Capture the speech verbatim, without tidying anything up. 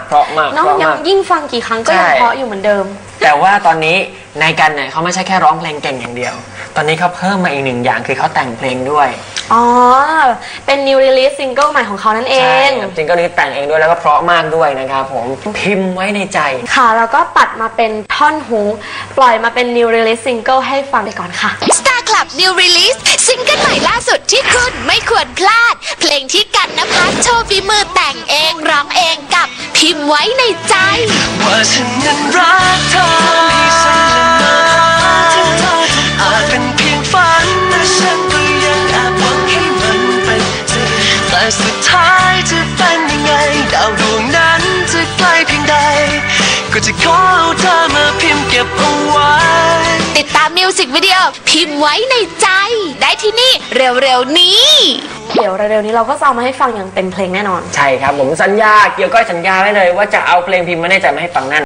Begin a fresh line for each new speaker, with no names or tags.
เพราะมาก
น้องยังยิ่งฟังกี่ครั้งก็ยังเพราะอยู่เหมือนเดิม
แต่ว่าตอนนี้ในกันเนี่ยเขาไม่ใช่แค่ร้องเพลงเก่งอย่างเดียวตอนนี้เขาเพิ่มมาอีกหนึ่งอย่างคือเขาแต่งเพลงด้วย
อ๋อเป็น new release single ใหม่ของเขานั่นเอง
ใช่ซิงเกิลนี้แต่งเองด้วยแล้วก็เพราะมากด้วยนะครับผมพิมพ์ไว้ในใจ
ค่ะแล้วก็ตัดมาเป็นท่อนฮุกปล่อยมาเป็น new release single ให้ฟังไปก่อนค่ะ
Star Club New Release ซิงเกิลใหม่ล่าสุดที่คุณไม่ควรพลาดเพลงที่กันนภัสโชว์ฝีมือแต่งเองร้องเองกับพิมพ์ไว้ในใจ
ว่าฉันนั้นรักเธอให้ฉันละเมอถึงเธออาจเป็นเพียงฝันแต่ฉันก็ยังแอบหวังให้มันเป็นจริงแต่สุดท้ายจะเป็นยังไงดาวดวงนั้นจะไกลเพียงใดก็จะขอเอาเธอมาพิมพ์เก็บเอาไว้
ติดตามมิวสิกวิดีโอพิมพ์ไว้ในใจได้ที่นี่เร็วๆนี้
เดี๋ยวเร็วๆนี้เราก็จะเอามาให้ฟังอย่างเต็มเพลงแน่นอน
ใช่ครับผมสัญญาเกี่ยวก้อยสัญญาไว้เลยว่าจะเอาเพลงพิมพ์มาในใจมาให้ฟังแน่